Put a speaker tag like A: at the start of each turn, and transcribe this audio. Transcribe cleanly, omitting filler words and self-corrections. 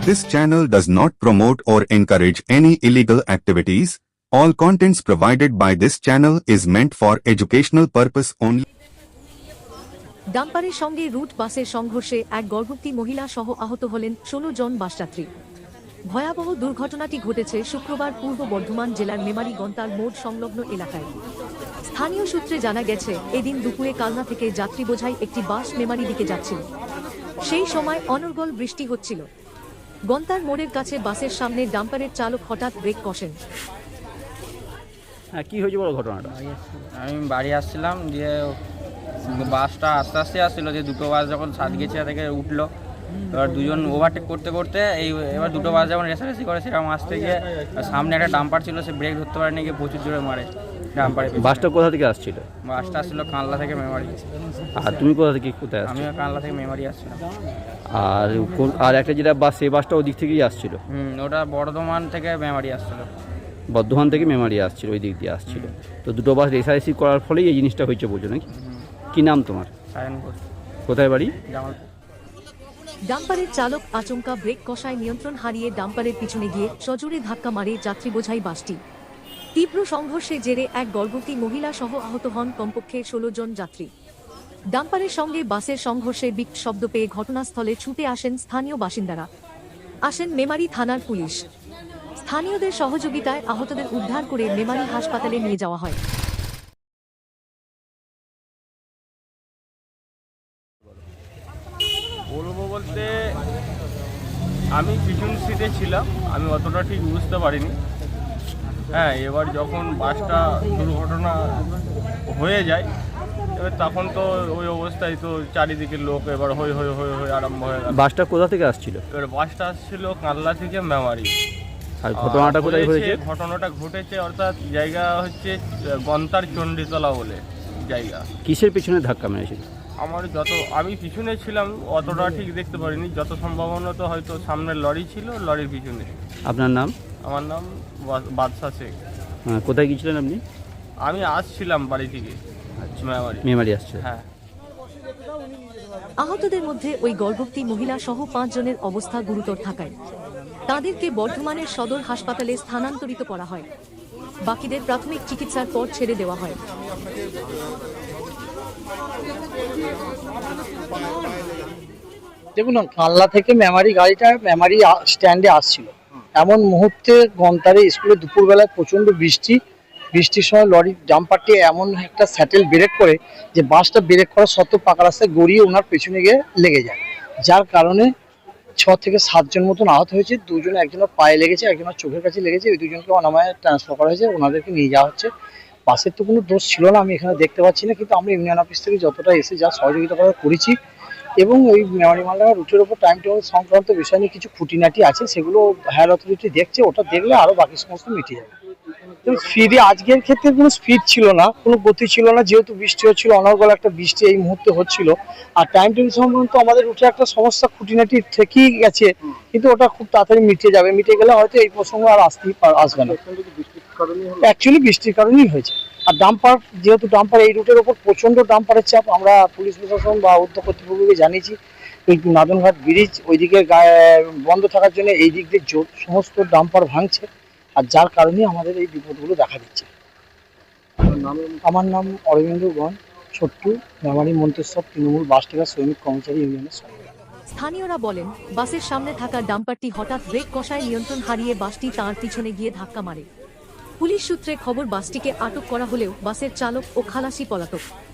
A: This channel does not promote or encourage any illegal activities. All contents provided by this channel is meant for educational purpose only.
B: ডাম্পারের সঙ্গে root বাসের সংঘর্ষে এক গর্ভবতী মহিলা সহ আহত হলেন 16 জন বাসযাত্রী। ভয়াবহ দুর্ঘটনাটি ঘটেছে শুক্রবার পূর্ব বর্ধমান জেলার মেমারি গন্তার মোড় সংলগ্ন এলাকায়। স্থানীয় সূত্রে জানা গেছে, এদিন দুপুরে কালনা থেকে যাত্রী বোঝাই একটি বাস মেমারি দিকে যাচ্ছিল। সেই সময় অনর্গল বৃষ্টি হচ্ছিল। গন্তার মোড়ের কাছে বাসের সামনে ডাম্পারের চালক হঠাৎ ব্রেক কষেন।
C: হ্যাঁ, কি হয়েছে বলো ঘটনাটা?
D: আমি বাড়ি আসছিলাম, দিয়ে বাসটা আস্তে আস্তে আসছিল, যে দুটো বাস যখন সাতগেছিয়া থেকে উঠলো, এবার দুজন ওভারটেক করতে করতে এবার দুটো বাস যখন রেসারেসি করে সেরকম আসতে গিয়ে সামনে একটা ডাম্পার ছিল, সে ব্রেক ধরতে পারেনি, গিয়ে প্রচুর জোরে মারে ডাম্পারে।
C: বাসটা কোথা থেকে আসছিল?
D: বাসটা আসছিল কানলা থেকে মেমারি।
C: আর তুমি কোথা থেকে কোথায় আসছো?
D: আমিও কানলা থেকে মেমারি আসছিলাম।
C: আর একটা যেটা বাস, সেই বাসটা ওদিক থেকেই আসছিল?
D: ওটা বর্ধমান থেকে মেমারি আসছিল।
C: বর্ধমান থেকে মেমারি আসছিল, ওই দিক দিয়ে আসছিল। তো দুটো বাস রেসারেসি করার ফলেই এই জিনিসটা হয়েছে, বলছো নাকি? কি নাম তোমার? কোথায় বাড়ি?
B: ডাম্পারের চালক আচমকা ব্রেক কষায় নিয়ন্ত্রণ হারিয়ে ডাম্পারের পিছনে গিয়ে সজোরে ধাক্কা মারে যাত্রী বোঝাই বাসটি। তীব্র সংঘর্ষের জেরে এক গর্ভবতী মহিলা সহ আহত হন কমপক্ষে 16 জন যাত্রী। ডাম্পারের সঙ্গে বাসের সংঘর্ষে বিকট শব্দ পেয়ে ঘটনাস্থলে ছুটে আসেন স্থানীয় বাসিন্দারা। আসেন মেমারি থানার পুলিশ। স্থানীয়দের সহযোগিতায় আহতদের উদ্ধার করে মেমারি হাসপাতালে নিয়ে যাওয়া হয়।
E: বলবো বলতে, আমি পিছন সিটে ছিলাম, আমি অতটা ঠিক বুঝতে পারিনি। হ্যাঁ, এবার যখন বাসটা দুর্ঘটনা হয়ে যায়, এবার তখন তো ওই অবস্থায় তো চারিদিকে লোক এবার হই হই হই হই আরম্ভ হয়ে গেল।
C: বাসটা কোথা থেকে আসছিল?
E: এবার বাসটা আসছিল কানলা থেকে মেমারি।
C: আর ঘটনাটা কোথায় হয়েছে?
E: ঘটনাটা ঘটেছে অর্থাৎ জায়গা হচ্ছে গন্তার চণ্ডীতলা বলে জায়গা।
C: কিসের পিছনে ধাক্কা মেরেছিল?
E: আমি পিছনে ছিলাম, অতটা ঠিক দেখতে পারিনি। যত সম্ভাবনত হয়তো সামনের লরি ছিল, লরির পিছনে।
C: আপনার নাম?
E: আমার নাম বাদশা শেখ।
C: কোথায় গিয়েছিলেন আপনি?
E: আমি আসছিলাম বাড়ি থেকে
C: মেমারি আসছে।
E: হ্যাঁ।
B: আহতদের মধ্যে ওই গর্ভবতী মহিলা সহ 5 জনের অবস্থা গুরুতর থাকায় তাদেরকে বর্ধমানের সদর হাসপাতালে স্থানান্তরিত করা হয়। বাকিদের প্রাথমিক চিকিৎসার পর ছেড়ে দেওয়া হয়।
F: দেখুন, কানলা থেকে মেমারি গাড়িটা মেমারি স্ট্যান্ডে আসছিল, এমন মুহূর্তে গন্তারে স্কুলে দুপুরবেলায় প্রচণ্ড বৃষ্টির সময় লরির ডাম্পারটি এমন একটা স্যাটেল ব্রেক করে যে বাসটা ব্রেক করা সত্ত্বেও পাকা রাস্তায় গড়িয়ে ওনার পেছনে গিয়ে লেগে যায়, যার কারণে 6 থেকে 7 জন মতন আহত হয়েছে। একজনের পায়ে লেগেছে, একজনের চোখের কাছে লেগেছে। ওই দুজনকে অনামায় ট্রান্সফার করা হয়েছে, ওনাদেরকে নিয়ে যাওয়া হচ্ছে। বাসের তো কোনো দোষ ছিল না, আমি এখানে দেখতে পাচ্ছি না, কিন্তু আমরা ইউনিয়ন অফিস থেকে যতটা এসে যা সহযোগিতা করেছি, এবং ওই মেমারি মালডাঙ্গা রুটের ওপর টাইম টেবিল সংক্রান্ত বিষয় নিয়ে কিছু খুঁটিনাটি আছে, সেগুলো হায়ার অথরিটি দেখছে। ওটা দেখলে আরো বাকি সমস্ত মিটে যাবে। স্পিডে আজকের ক্ষেত্রে কোনো স্পিড ছিল না, কোনো গতি ছিল না, যেহেতু বৃষ্টি হচ্ছিল, অনর্গল একটা বৃষ্টি এই মুহূর্তে হচ্ছিল। আর টাইম টেবিল সংক্রান্ত আমাদের রুটে একটা সমস্যা খুঁটিনাটি থেকেই গেছে, কিন্তু ওটা খুব তাড়াতাড়ি মিটে যাবে। মিটে গেলে হয়তো এই প্রসঙ্গ আর আসবে না। অ্যাকচুয়ালি বৃষ্টির কারণেই হয়েছে। আর ডাম্পার, যেহেতু ডাম্পার এই রুটের ওপর প্রচন্ড ডাম্পারের চাপ, আমরা পুলিশ প্রশাসন বা উদ্যোগ কর্তৃপক্ষকে জানিয়েছি। ওই নাদনঘাট ব্রিজ ওইদিকে বন্ধ থাকার জন্য এই দিক দিয়ে সমস্ত ডাম্পার ভাঙছে, আর যার কারণে আমাদের এই বিপদগুলো দেখা দিচ্ছে। আমার নাম অরবিন্দ গণ, ছোট্টু, মেমারি মন্তেশ্বর তৃণমূল বাস টেকার শ্রমিক কর্মচারী ইউনিয়নের সভাপতি।
B: স্থানীয়রা বলেন, বাসের সামনে থাকা ডাম্পারটি হঠাৎ ব্রেক কষায় নিয়ন্ত্রণ হারিয়ে বাসটি তাঁর পিছনে গিয়ে ধাক্কা মারে। পুলিশ সূত্রে খবর, বাসটিকে আটক করা হলেও বাসের চালক ও খালাসি পলাতক।